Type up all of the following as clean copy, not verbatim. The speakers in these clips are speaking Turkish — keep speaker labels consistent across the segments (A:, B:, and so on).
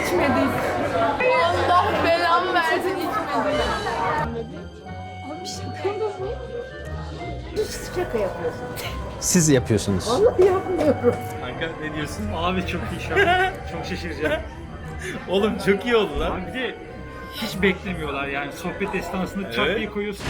A: İçmedik. Allah belamı versin içmedik. Abi şaka mı bu?
B: Şaka yapıyorsun.
C: Siz yapıyorsunuz.
B: Vallahi yapmıyorum.
D: Kanka ne diyorsun?
E: Abi çok iyi şu an. Çok şaşıracağım.
D: Oğlum çok iyi oldu lan.
E: Abi bir de hiç beklemiyorlar yani sohbet esnasında çat
D: Evet.
E: diye koyuyorsun.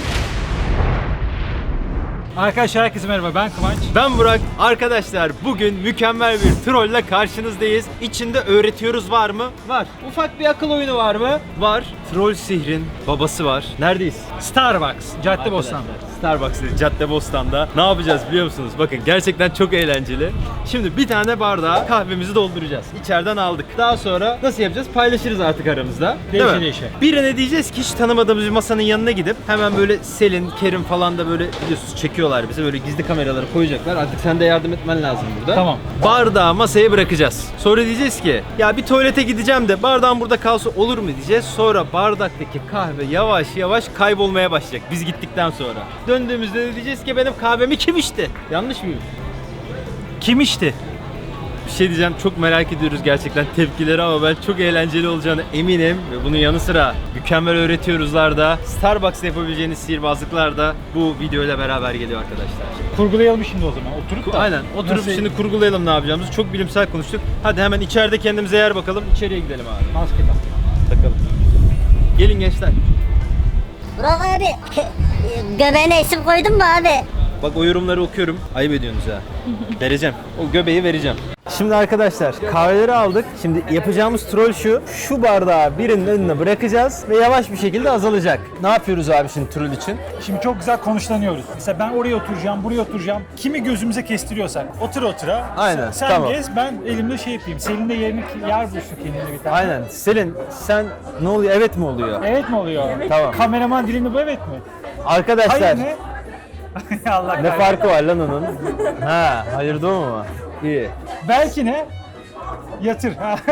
E: Arkadaşlar herkese merhaba, ben Kıvanç.
D: Ben Burak. Arkadaşlar bugün mükemmel bir trolle karşınızdayız. İçinde öğretiyoruz var mı? Var. Ufak bir akıl oyunu var mı? Var. Troll sihrin babası var. Neredeyiz?
E: Starbucks, Caddebostan.
D: Starbucks'ta, Caddebostan'da. Ne yapacağız biliyor musunuz? Bakın gerçekten çok eğlenceli. Şimdi bir tane bardağa kahvemizi dolduracağız. İçeriden aldık. Daha sonra nasıl yapacağız? Paylaşırız artık aramızda. Değil mi?
E: Değişe.
D: Birine diyeceğiz ki hiç tanımadığımız bir masanın yanına gidip hemen böyle Selin, Kerim falan da böyle biliyorsunuz çekiyorlar bizi. Böyle gizli kameraları koyacaklar. Artık sen de yardım etmen lazım burada.
E: Tamam.
D: Bardağı masaya bırakacağız. Sonra diyeceğiz ki ya bir tuvalete gideceğim de bardağım burada kalsa olur mu diyeceğiz. Sonra bardaktaki kahve yavaş yavaş kaybolmaya başlayacak biz gittikten sonra. Döndüğümüzde de diyeceğiz ki benim kahvemi kim içti? Yanlış mıyım?
E: Kim içti?
D: Bir şey diyeceğim, çok merak ediyoruz gerçekten tepkileri ama ben çok eğlenceli olacağını eminim. Ve bunun yanı sıra mükemmel öğretiyoruzlar da Starbucks'ta yapabileceğiniz sihirbazlıklar da bu videoyla beraber geliyor arkadaşlar.
E: Kurgulayalım şimdi o zaman. Oturup da.
D: Aynen, oturup
E: Nasıl-
D: şimdi kurgulayalım ne yapacağımızı. Çok bilimsel konuştuk. Hadi hemen içeride kendimize yer bakalım. İçeriye gidelim abi.
E: Maske tak.
D: Takalım. Gelin gençler.
B: Burak abi, göbeğine isim koydun mu abi?
D: Bak o yorumları okuyorum. Ayıp ediyorsunuz ha. Vereceğim. O göbeği vereceğim. Şimdi arkadaşlar kahveleri aldık. Şimdi yapacağımız troll şu. Şu bardağı birinin önüne bırakacağız ve yavaş bir şekilde azalacak. Ne yapıyoruz abi şimdi troll için?
E: Şimdi çok güzel konuşlanıyoruz. Mesela ben oraya oturacağım, buraya oturacağım. Kimi gözümüze kestiriyorsak otura otura.
D: Aynen,
E: Sen
D: tamam.
E: gez, ben elimde şey yapayım. Selin de yer bulsun kendine bir tane.
D: Aynen. Selin sen ne oluyor? Evet mi oluyor?
E: Evet mi oluyor?
D: Tamam.
E: Kameraman dilinde bu evet mi?
D: Arkadaşlar
E: Hayır ne? Allah
D: ne
E: kahretsin.
D: farkı var lan onun? Ha, hayır doğru mu? İyi.
E: Belki ne? Yatır.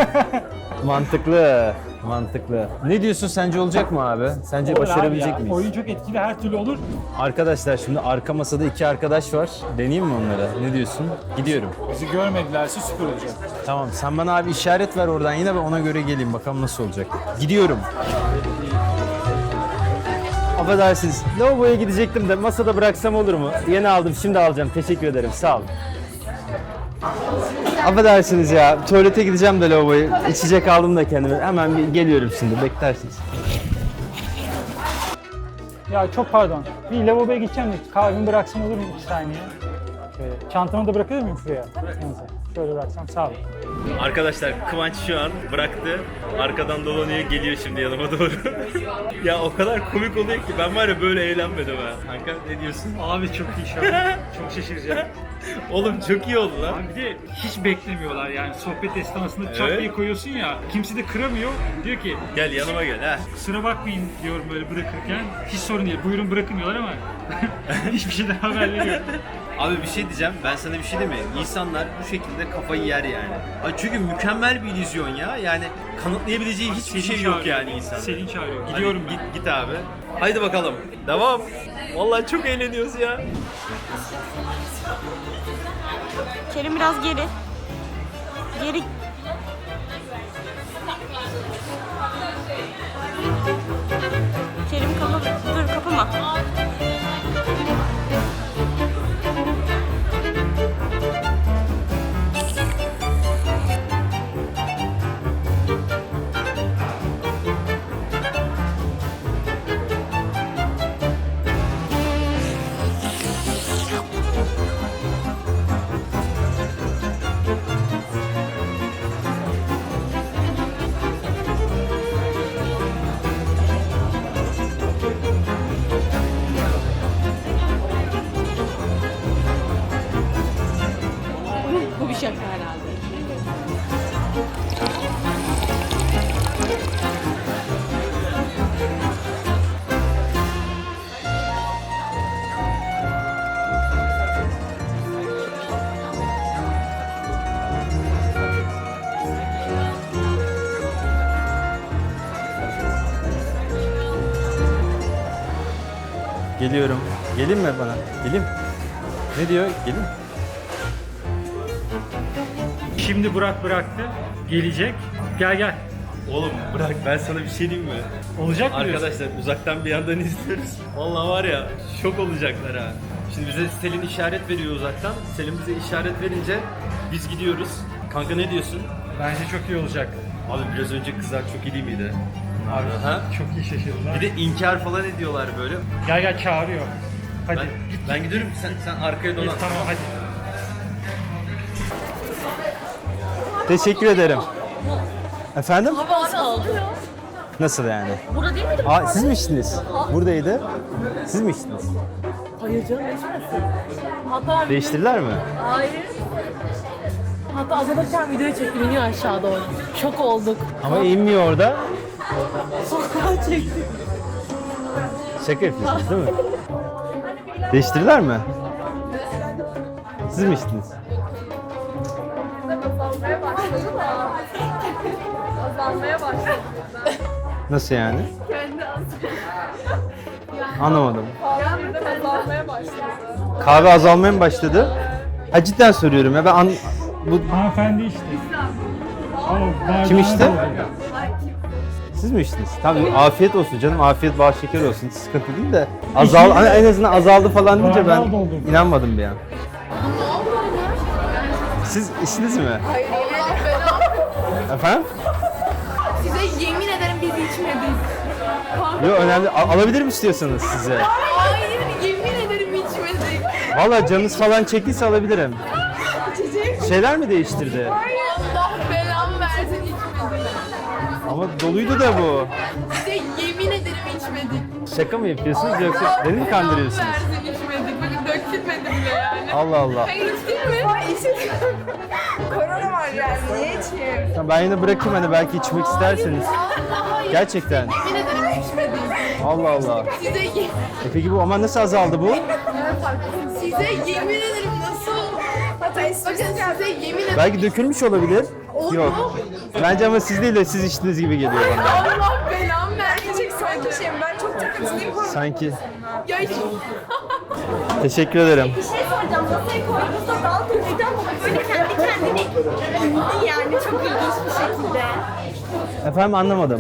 D: Mantıklı. Mantıklı. Ne diyorsun, sence olacak mı abi? Sence
E: Olur abi
D: başarabilecek
E: ya.
D: miyiz?
E: Oyun çok etkili, her türlü olur.
D: Arkadaşlar şimdi arka masada iki arkadaş var. Deneyeyim mi onlara? Ne diyorsun? Gidiyorum.
E: Bizi görmedilerse süper olacak.
D: Tamam, sen bana abi işaret ver oradan yine, ben ona göre geleyim bakalım nasıl olacak. Gidiyorum. Affedersiniz. Lavaboya gidecektim de masada bıraksam olur mu? Yeni aldım, şimdi alacağım. Teşekkür ederim. Sağ olun. Affedersiniz ya. Tuvalete gideceğim de lavaboya. İçecek aldım da kendime. Hemen bir geliyorum şimdi. Beklersiniz.
E: Ya çok pardon. Bir lavaboya gideceğim de kahvemi bıraksam olur mu 2 saniye? Şöyle, çantamı da bırakabilir miyim şuraya? Neyse. Şöyle bıraksam sağ olun.
D: Arkadaşlar Kıvanç şu an bıraktı. Arkadan dolanıyor, geliyor şimdi yanıma doğru. Ya o kadar komik oluyor ki ben var ya böyle eğlenmedim ha. Kanka ne diyorsun?
E: Abi çok iyi şu an. Çok şaşıracağım.
D: Oğlum çok iyi oldu lan.
E: Abi bir de hiç beklemiyorlar yani sohbet esnasında çat
D: Evet.
E: diye koyuyorsun ya. Kimse de kıramıyor. Diyor ki
D: Gel yanıma gel ha.
E: kusura bakmayın diyorum böyle bırakırken. Hiç sorun değil. Buyurun bırakın diyorlar ama hiçbir şeyden haberleri yok.
D: Abi bir şey diyeceğim, ben sana bir şey diyeyim mi? İnsanlar bu şekilde kafayı yer yani. Ay çünkü mükemmel bir illüzyon ya. Yani kanıtlayabileceği hiçbir şey yok
E: çağırıyor.
D: yani insanın.
E: Selin çağırıyor. Gidiyorum ben.
D: Git abi. Haydi bakalım. Devam. Vallahi çok eğleniyoruz ya.
A: Kerim biraz geri. Geri. Kerim kapa. Dur kapama. Bu bir şaka herhalde.
D: Geliyorum. Gelin mi bana? Gelin. Ne diyor? Gelin.
E: Şimdi Burak bıraktı. Gelecek. Gel gel.
D: Oğlum bırak, ben sana bir şey diyeyim mi?
E: Olacak mı diyorsun?
D: Arkadaşlar uzaktan bir yandan izliyoruz. Vallahi var ya, şok olacaklar ha. Şimdi bize Selin işaret veriyor uzaktan. Selin bize işaret verince biz gidiyoruz. Kanka ne diyorsun?
E: Bence çok iyi olacak.
D: Abi biraz önce kızlar çok iyi değil miydi?
E: Abi
D: Ha?
E: çok iyi şaşırdılar.
D: Bir de inkar falan ediyorlar böyle.
E: Gel gel çağırıyor. Hadi.
D: Ben gidiyorum, sen arkaya dolan.
E: Tamam hadi.
C: Teşekkür ederim. Efendim?
A: Sağlıyor.
C: Nasıl yani?
A: Burada değil miydi?
C: Aa, siz mi içtiniz? Buradaydı. Siz mi içtiniz?
A: Hayır canım, içmesin. Hatta
C: Değiştirdiler mi?
A: hayır. Hatta azalırken videoyu çektim, iniyor aşağı doğru. Şok olduk.
C: Ama inmiyor orada.
A: Sokağa çektim.
C: Şaka yapıyorsunuz değil mi? Değiştirdiler mi? Siz mi içtiniz?
F: Azalmaya başladı da. Azalmaya başladı.
C: Nasıl yani?
F: Kendi
C: Anlamadım.
F: azalmaya azalmaya başladı.
C: Kahve azalmaya mı başladı? Ha, cidden soruyorum ya, ben bu
E: Hanımefendi içti. Ama bardağına
C: Kim içti?
E: doldu.
C: siz mi içtiniz? Tamam, afiyet olsun canım, afiyet bal şeker olsun, sıkıntı değil de hani en azından azaldı falan deyince ben
E: Bardağı doldurdum.
C: inanmadım bir an. Siz içtiniz mi?
F: Hayır, Allah belanı.
C: Efendim?
F: Size yemin ederim biz içmedik.
C: Yok, önemli. Alabilir mi istiyorsanız size?
F: Hayır, yemin ederim içmedik.
C: Valla canınız falan çektiyse alabilirim. Şeyler mi değiştirdi?
F: Allah belamı versin içmedik.
C: Ama doluydu da bu.
F: Size yemin ederim içmedik.
C: Şaka mı yapıyorsunuz yoksa beni mi kandırıyorsunuz?
F: Versin içmedik. Bakın dökülmedi bile yani.
C: Allah Allah.
F: Hayır içtin mi? İçin. Korona var yani. Niye içeyim?
C: Tamam, ben yine bırakayım, hani belki içmek isterseniz.
F: Hayır.
C: Gerçekten.
F: Yemin ederim içmedik.
C: Allah Allah.
F: Size
C: Peki bu ama nasıl azaldı bu?
F: Size yemin ederim nasıl? Bakın size yemin ederim.
C: Belki dökülmüş olabilir. Yok. Bence ama siz değil de siz içtiniz gibi geliyor bana.
F: Allah belamı verecek sanki şeyim. Ben çok takıntılıyım.
C: Sanki.
F: Ya hiç...
C: Teşekkür ederim.
G: Bir şey soracağım. Masaya koyduğunuzda dal döküldü ama böyle kendi kendine indi yani çok ilginç bir şekilde.
C: Efendim, anlamadım.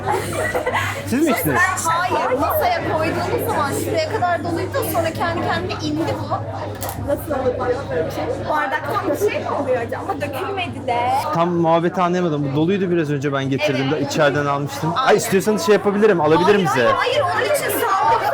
C: Siz mi içtiniz?
G: Hayır, masaya koyduğunuz zaman şuraya kadar doluydu sonra kendi kendine indi bu. Nasıl oluyor böyle bir şey? Bardaktan bir şey mi oluyor acaba? Ama dökülmedi de.
C: Tam muhabbeti anlayamadım. Bu doluydu biraz önce, ben getirdim de içeriden almıştım. Ay, istiyorsanız şey yapabilirim, alabilirim size.
G: Hayır, onun için sağlıklı.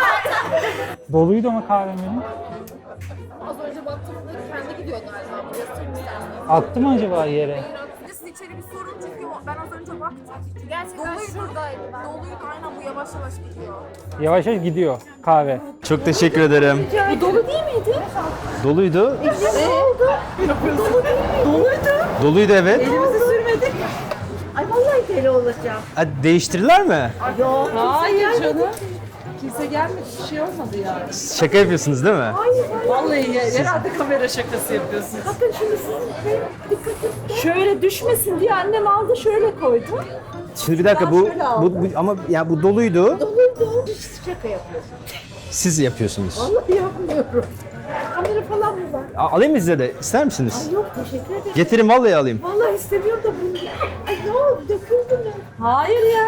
E: Doluydu ama kahvem benim.
F: Az önce baktığımda kendi gidiyor galiba. Göstereyim istersen.
E: Attı mı acaba yere?
F: Siz içeri bir sorun çünkü ben az önce baktım. Gerçekten şuradaydı. Doluydu aynen, bu yavaş yavaş gidiyor.
E: Yavaş yavaş gidiyor kahve.
C: Çok teşekkür ederim.
G: Bu dolu değil miydi?
C: Doluydu.
G: Ne oldu? Dolu değil mi? Doluydu.
C: Doluydu, evet.
G: Elimizi sürmedik. Ay vallahi deli olacağım.
C: Ha, değiştirdiler mi?
G: Yok.
A: Hayır canım. Kimse gelmedi, bir şey olmadı yani.
C: Şaka yapıyorsunuz değil mi?
A: Vallahi herhalde kamera şakası yapıyorsunuz.
G: Bakın şunu sizin şöyle düşmesin diye annem aldı şöyle koydu.
C: Şimdi bir dakika, bu ama ya bu doluydu.
G: Doluydu. Şaka yapıyorsun.
C: Siz yapıyorsunuz.
G: Vallahi yapmıyorum. Kamera falan mı var?
C: Alayım mı size de? İster misiniz?
G: Yok teşekkür ederim.
C: Getirin, vallahi alayım.
G: Vallahi istemiyorum da bunu. Ay ne oldu döküldü mü? Hayır ya.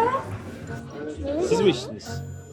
C: Siz mi içtiniz?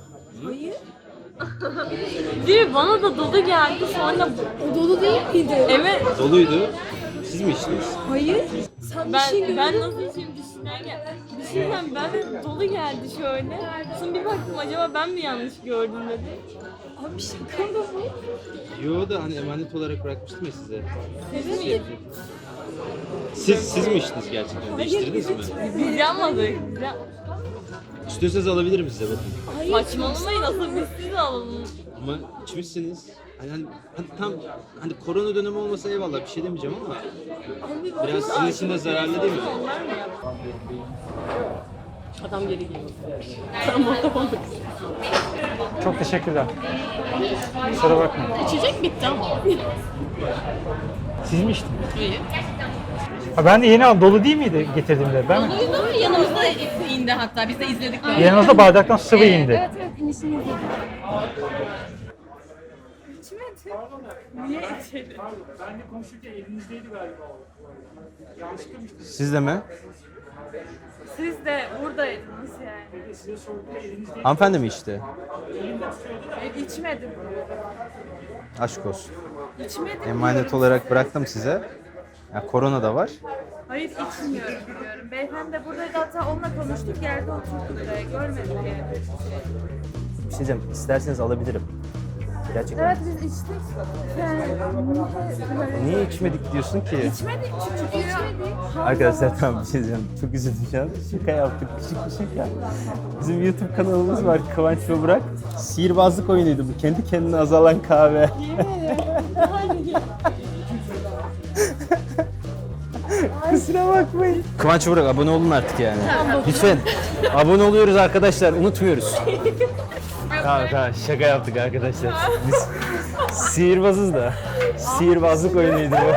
A: Değil mi? Bana da dolu geldi sonra... O dolu değil miydi? Evet.
C: Doluydu. Siz mi içtiniz?
A: Ben nasıl içeyim düşünürken, ben de dolu geldi şöyle. Sonra bir baktım acaba ben mi yanlış gördüm dedi. Abi şaka mı bu?
C: Yo da hani emanet olarak bırakmıştım ya size.
A: Evet.
C: Siz mi içtiniz gerçekten? Değiştirdiniz mi?
A: Biz yanmadık.
C: İstiyorsanız alabilirim size, bakın.
A: Saçmalamayın, asıl biz siz alalım.
C: Ama içmişsiniz. Hani tam hani korona dönemi olmasa eyvallah, bir şey demeyeceğim ama biraz sizin için de zararlı değil mi?
A: Adam geri geliyor. Tamam.
E: Çok teşekkürler. Kusura bakmayın.
A: İçecek bitti ama.
E: Siz mi içtiniz?
A: Hayır.
E: Ha, ben de yeni aldım. Dolu değil miydi getirdiğimde? Ben mi?
A: Doluydu, yanımızda indi hatta, biz de izledik böyle.
E: Yanınızda bardaktan sıvı indi.
G: Evet finişini yedim.
A: Niye içelim?
E: Ben de konuşurken elinizdeydi galiba o. Yanlışlıkla mı içtiniz?
C: Siz de mi?
A: Siz de buradaydınız yani.
E: Size sorduğumda elinizdeydi.
C: Hanımefendi mi içti?
A: İçmedim.
C: Aşk olsun.
A: İçmedim
C: Emanet
A: diyorum.
C: olarak bıraktım size. Ya korona da var.
A: Hayır içmiyorum diyorum. Beyefendi de buradaydı, hatta onunla konuştuk, geldi oturdu buraya. Görmedim yani.
C: Bir şey diyeceğim. İsterseniz alabilirim. Gerçekten.
A: Evet biz içtik. Yani
C: Niye içmedik diyorsun ki?
A: içmedik çünkü içmedik.
C: Arkadaşlar tamam bir şey diyeceğim. Çok üzüldüm şu an. Şaka yaptık. Küçük bir şaka. Bizim YouTube kanalımız var. Kıvanç ve Burak. Sihirbazlık oyunuydu bu. Kendi kendine azalan kahve. Kusura bakmayın. Kıvanç ve Burak abone olun artık yani. Lütfen. Abone oluyoruz arkadaşlar. Unutmuyoruz. Tamam tamam şaka yaptık arkadaşlar. Biz sihirbazız da. Sihirbazlık oyunuydu bu.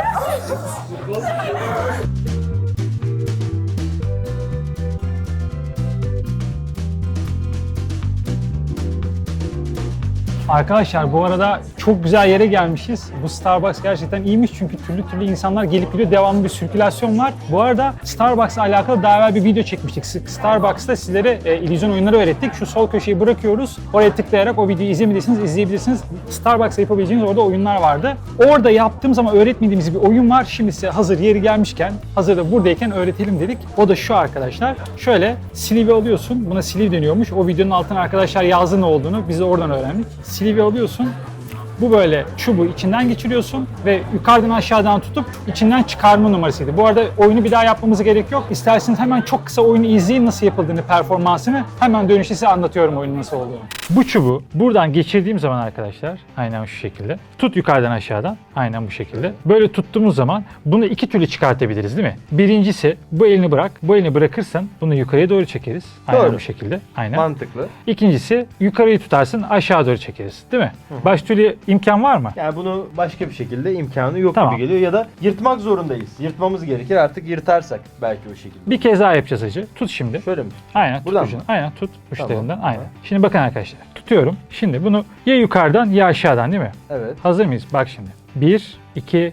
E: Arkadaşlar bu arada çok güzel yere gelmişiz. Bu Starbucks gerçekten iyiymiş çünkü türlü insanlar gelip gidiyor. Devamlı bir sirkülasyon var. Bu arada Starbucks'la alakalı daha evvel bir video çekmiştik. Starbucks'ta sizlere illüzyon oyunları öğrettik. Şu sol köşeyi bırakıyoruz. Oraya tıklayarak o videoyu izleyebilirsiniz. Starbucks'ta yapabileceğiniz orada oyunlar vardı. Orada yaptığımız ama öğretmediğimiz bir oyun var. Şimdi size hazır yeri gelmişken, hazır da buradayken öğretelim dedik. O da şu arkadaşlar. Şöyle sleeve alıyorsun. Buna sleeve deniyormuş. O videonun altına arkadaşlar yazdı ne olduğunu. Biz de oradan öğrendik. Sleeve alıyorsun. Bu böyle çubuğu içinden geçiriyorsun ve yukarıdan aşağıdan tutup içinden çıkarma numarasıydı. Bu arada oyunu bir daha yapmamıza gerek yok. İsterseniz hemen çok kısa oyunu izleyin nasıl yapıldığını, performansını. Hemen dönüşte size anlatıyorum oyunun nasıl olduğunu. Bu çubuğu buradan geçirdiğim zaman arkadaşlar, aynen şu şekilde. Tut yukarıdan aşağıdan, aynen bu şekilde. Böyle tuttuğumuz zaman bunu iki türlü çıkartabiliriz değil mi? Birincisi bu elini bırak. Bu elini bırakırsan bunu yukarıya doğru çekeriz. Aynen
D: Doğru.
E: bu şekilde. Aynen.
D: Mantıklı.
E: İkincisi yukarıyı tutarsın aşağı doğru çekeriz değil mi? Başka türlü imkan var mı?
D: Yani bunu başka bir şekilde imkanı yok
E: Tamam.
D: gibi geliyor ya da yırtmak zorundayız. Yırtmamız gerekir artık yırtarsak belki o şekilde.
E: Bir kez daha yapacağız hacı. Tut şimdi.
D: Şöyle mi?
E: Aynen tut
D: Buradan
E: ucunu.
D: mı?
E: Aynen tut uçlarından.
D: Tamam.
E: Aynen. Şimdi bakın arkadaşlar. Tutuyorum. Şimdi bunu ya yukarıdan ya aşağıdan değil mi?
D: Evet.
E: Hazır mıyız? Bak şimdi. 1, 2,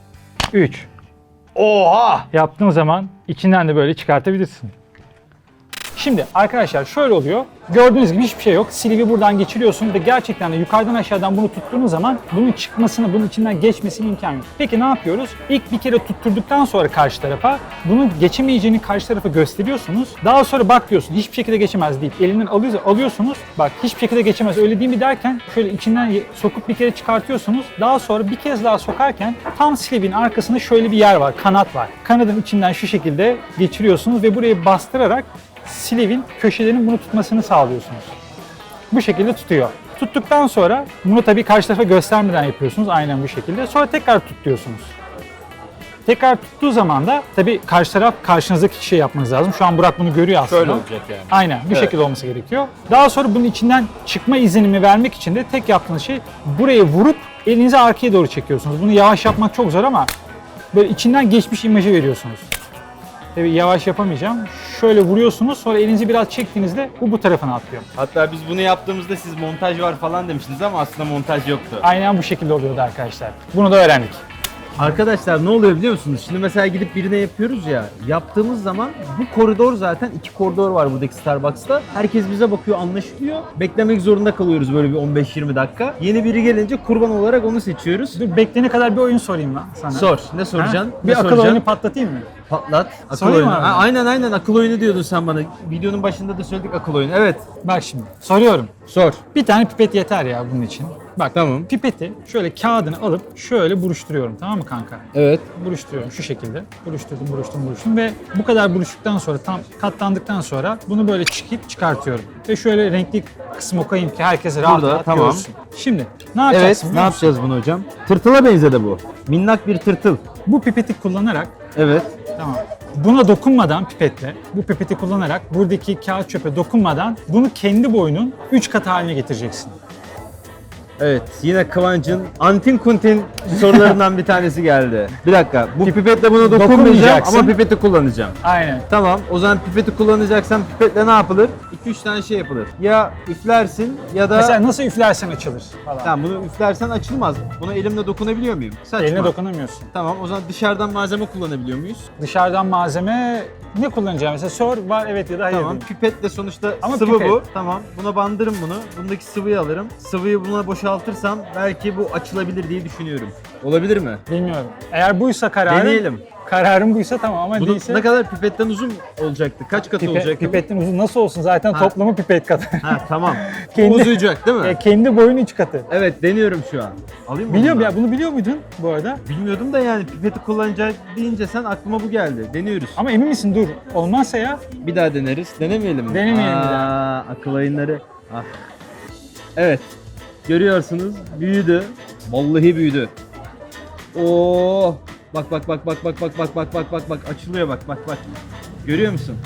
E: 3.
D: Oha!
E: Yaptığın zaman içinden de böyle çıkartabilirsin. Şimdi arkadaşlar şöyle oluyor. Gördüğünüz gibi hiçbir şey yok. Sleeve'i buradan geçiriyorsun ve gerçekten de yukarıdan aşağıdan bunu tuttuğunuz zaman bunun çıkmasını, bunun içinden geçmesine imkan yok. Peki ne yapıyoruz? İlk bir kere tutturduktan sonra karşı tarafa bunun geçemeyeceğini karşı tarafa gösteriyorsunuz. Daha sonra bak diyorsun hiçbir şekilde geçemez deyip elinden alıyorsunuz. Bak hiçbir şekilde geçemez öyle değil mi derken şöyle içinden sokup bir kere çıkartıyorsunuz. Daha sonra bir kez daha sokarken tam sleeve'in arkasında şöyle bir yer var, kanat var. Kanadın içinden şu şekilde geçiriyorsunuz ve burayı bastırarak sleeve'in köşelerinin bunu tutmasını sağlıyorsunuz. Bu şekilde tutuyor. Tuttuktan sonra bunu tabii karşı tarafa göstermeden yapıyorsunuz. Aynen bu şekilde. Sonra tekrar tut diyorsunuz. Tekrar tuttuğu zaman da tabii karşı taraf karşınızdaki kişiye yapmanız lazım. Şu an Burak bunu görüyor aslında.
D: Şöyle olacak yani.
E: Aynen bu şekilde olması gerekiyor. Daha sonra bunun içinden çıkma izlenimi vermek için de tek yaptığınız şey buraya vurup elinizi arkaya doğru çekiyorsunuz. Bunu yavaş yapmak çok zor ama böyle içinden geçmiş imajı veriyorsunuz. Tabii yavaş yapamayacağım. Şöyle vuruyorsunuz sonra elinizi biraz çektiğinizde bu tarafına atlıyor.
D: Hatta biz bunu yaptığımızda siz montaj var falan demiştiniz ama aslında montaj yoktu.
E: Aynen bu şekilde oluyordu arkadaşlar. Bunu da öğrendik.
C: Arkadaşlar ne oluyor biliyor musunuz? Şimdi mesela gidip birine yapıyoruz ya. Yaptığımız zaman bu koridor zaten 2 koridor var buradaki Starbucks'ta. Herkes bize bakıyor, anlaşılıyor. Beklemek zorunda kalıyoruz böyle bir 15-20 dakika. Yeni biri gelince kurban olarak onu seçiyoruz.
E: Dur bekleyene kadar bir oyun sorayım lan sana.
C: Sor. Ne soracaksın?
E: Ha?
C: Ne
E: Bir akıl
C: soracaksın?
E: oyunu patlatayım mı?
C: Patlat. Akıl
E: Sorayım
C: oyunu.
E: abi.
C: Ha, aynen akıl oyunu diyordun sen bana. Videonun başında da söyledik akıl oyunu. Evet.
E: Bak şimdi soruyorum.
C: Sor.
E: Bir tane pipet yeter ya bunun için. Bak
C: Tamam.
E: pipeti şöyle kağıdını alıp şöyle buruşturuyorum tamam mı kanka?
C: Evet.
E: Buruşturuyorum şu şekilde. Buruşturdum ve bu kadar buruştuktan sonra tam katlandıktan sonra bunu böyle çıkartıyorum. Ve şöyle renkli kısmı koyayım ki herkes rahat
C: Burada,
E: rahat
C: tamam.
E: görsün. Şimdi ne
C: Evet.
E: yapacaksın
C: Ne
E: biliyor musun?
C: yapacağız bunu hocam? Tırtıla benzedi bu. Minnak bir tırtıl.
E: Bu pipeti kullanarak
C: Evet.
E: tamam. Buna dokunmadan pipetle, bu pipeti kullanarak buradaki kağıt çöpe dokunmadan bunu kendi boyunun 3 katı haline getireceksin.
C: Evet, yine Kıvanç'ın antin kuntin sorularından bir tanesi geldi. Bir dakika, bu pipetle buna dokunmayacağım
E: Dokunmayacaksın.
C: ama pipeti kullanacağım.
E: Aynen.
C: Tamam, o zaman pipeti kullanacaksan pipetle ne yapılır? 2-3 tane şey yapılır. Ya üflersin ya da...
E: Mesela nasıl üflersen açılır falan.
C: Tamam, bunu üflersen açılmaz. Buna elimle dokunabiliyor muyum? Saçma.
E: Eline dokunamıyorsun.
C: Tamam, o zaman dışarıdan malzeme kullanabiliyor muyuz?
E: Dışarıdan malzeme ne kullanacağım? Mesela sor var evet ya da hayır.
C: Tamam,
E: diyeyim.
C: pipetle sonuçta
E: Ama
C: sıvı
E: pipet.
C: bu. Tamam, buna bandırım bunu. Bundaki sıvıyı alırım. Sıvıyı buna boşaltırsam belki bu açılabilir diye düşünüyorum. Olabilir mi?
E: Bilmiyorum. Eğer buysa kararın.
C: Deneyelim.
E: Kararın buysa tamam ama
C: Bunun
E: değilse.
C: ne kadar pipetten uzun olacaktı? Kaç katı olacaktı?
E: Pipetin uzun nasıl olsun zaten toplamı pipet kadar.
C: Ha tamam.
E: Kendi-
C: Bu uzayacak değil mi?
E: Kendi boyun 3 katı.
C: Evet, deniyorum şu an. Alayım mı?
E: Biliyorum
C: bunu?
E: ya bunu biliyor muydun bu arada?
C: Bilmiyordum da yani pipeti kullanacak deyince sen aklıma bu geldi. Deniyoruz.
E: Ama emin misin dur. Olmazsa ya.
C: Bir daha deneriz. Denemeyelim mi?
E: Denemeyelim bir
C: Aa, akıl oyunları. Ah. Evet. Görüyorsunuz büyüdü. Vallahi büyüdü. Oo. Bak bak bak bak bak bak bak bak bak bak bak açılıyor bak bak bak. Görüyor musun?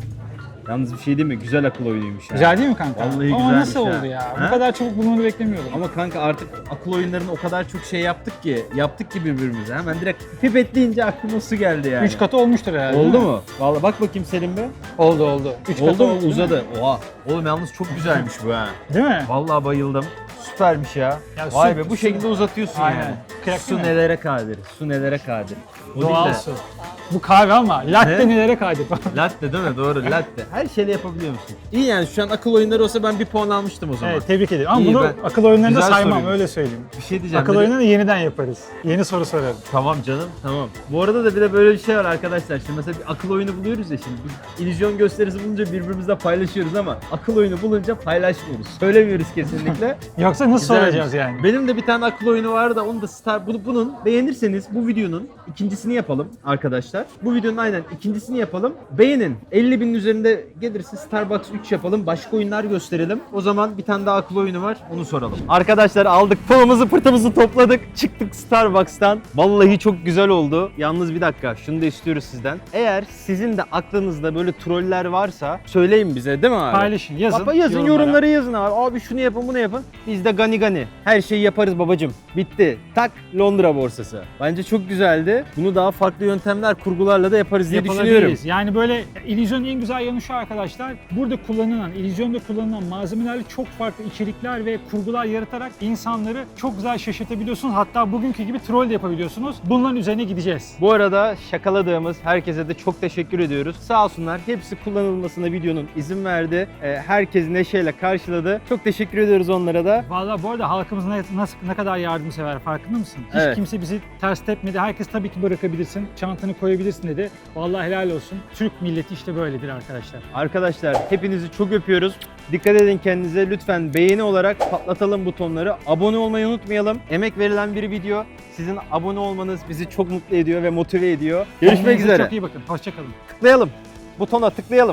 C: Yalnız bir şey değil mi? Güzel akıl oyunuymuş ya.
E: Güzel değil mi kanka?
C: Vallahi
E: Ama
C: güzelmiş
E: nasıl
C: ha.
E: oldu ya?
C: Ha?
E: Bu kadar çabuk bulmanı beklemiyordum.
C: Ama kanka artık akıl oyunlarını o kadar çok şey yaptık ki birbirimize. Hemen direkt pipet deyince aklıma su geldi yani.
E: 3 katı olmuştur herhalde.
C: Oldu
E: değil mi?
C: mu? Vallahi bak bakayım Selim be.
E: Oldu. 3 katı
C: Oldu mu?
E: oldu. değil mi?
C: Uzadı. Oha. Oğlum yalnız çok güzelmiş bu ha.
E: Değil mi?
C: Vallahi bayıldım. Süpermiş ya.
E: Ya
C: Vay
E: su-
C: be bu şekilde uzatıyorsun
E: Aynen.
C: yani.
E: Kıyak
C: Su
E: değil mi?
C: nelere kadir. Su nelere kadir. O
E: Doğal
C: değil de-
E: su. Bu kahve ama latte
C: Ne?
E: nelere kadir.
C: Latte değil mi? Doğru latte. Her şeyle yapabiliyor musun? İyi yani şu an akıl oyunları olsa ben bir puan almıştım o zaman.
E: Evet tebrik ederim. Ama
C: İyi,
E: bunu
C: ben-
E: akıl oyunlarında
C: Güzel
E: saymam
C: soruymuş.
E: öyle söyleyeyim.
C: Bir şey diyeceğim.
E: Akıl
C: bir de-
E: oyunlarını yeniden yaparız. Yeni soru sorarım.
C: Tamam canım tamam. Bu arada da bir de böyle bir şey var arkadaşlar. Şimdi mesela bir akıl oyunu buluyoruz ya şimdi. Biz illüzyon gösterisi bulunca birbirimizle paylaşıyoruz ama akıl oyunu bulunca paylaşmıyoruz. Söylemiyoruz kesinlikle.
E: Yoksa nasıl
C: Güzelmiş.
E: soracağız yani?
C: Benim de bir tane akıl oyunu var da onu da bunun beğenirseniz bu videonun ikincisini yapalım arkadaşlar. Bu videonun aynen ikincisini yapalım. Beğenin. 50.000'in üzerinde gelirse Starbucks 3 yapalım. Başka oyunlar gösterelim. O zaman bir tane daha akıl oyunu var. Onu soralım. Arkadaşlar aldık pılımızı pırtımızı topladık. Çıktık Starbucks'tan. Vallahi çok güzel oldu. Yalnız bir dakika şunu da istiyoruz sizden. Eğer sizin de aklınızda böyle troller varsa söyleyin bize değil mi abi?
E: Paylaşın, yazın.
C: Baba yazın
E: yorumlara.
C: yorumlara yazın abi. Abi şunu yapın bunu yapın. Biz de gani gani. Her şeyi yaparız babacım. Bitti. Tak Londra borsası. Bence çok güzeldi. Bunu daha farklı yöntemler kurgularla da yaparız diye düşünüyorum.
E: Yapılabiliriz. Yani böyle illüzyonun en güzel yanı şu arkadaşlar. Burada kullanılan, illüzyonda kullanılan malzemelerle çok farklı içerikler ve kurgular yaratarak insanları çok güzel şaşırtabiliyorsunuz. Hatta bugünkü gibi troll de yapabiliyorsunuz. Bunların üzerine gideceğiz.
C: Bu arada şakaladığımız herkese de çok teşekkür ediyoruz. Sağ olsunlar hepsi kullanılmasına videonun izin verdi. Herkes neşeyle karşıladı. Çok teşekkür ediyoruz onlara da.
E: Vallahi bu arada halkımız ne kadar yardımsever farkında mısın? Hiç
C: Evet.
E: kimse bizi ters tepmedi. Herkes tabii ki bırakabilirsin, çantanı koyabilirsin dedi. Vallahi helal olsun. Türk milleti işte böyledir arkadaşlar.
C: Arkadaşlar hepinizi çok öpüyoruz. Dikkat edin kendinize. Lütfen beğeni olarak patlatalım butonları. Abone olmayı unutmayalım. Emek verilen bir video. Sizin abone olmanız bizi çok mutlu ediyor ve motive ediyor. Görüşmek
E: Kendinize
C: üzere.
E: Çok iyi bakın. Hoşçakalın.
C: Tıklayalım. Butona tıklayalım.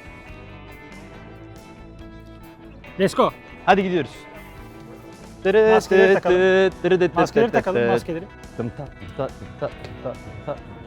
E: Let's go.
C: Hadi gidiyoruz.
E: Maskeleri takalım. Maskeleri takalım, maskeleri.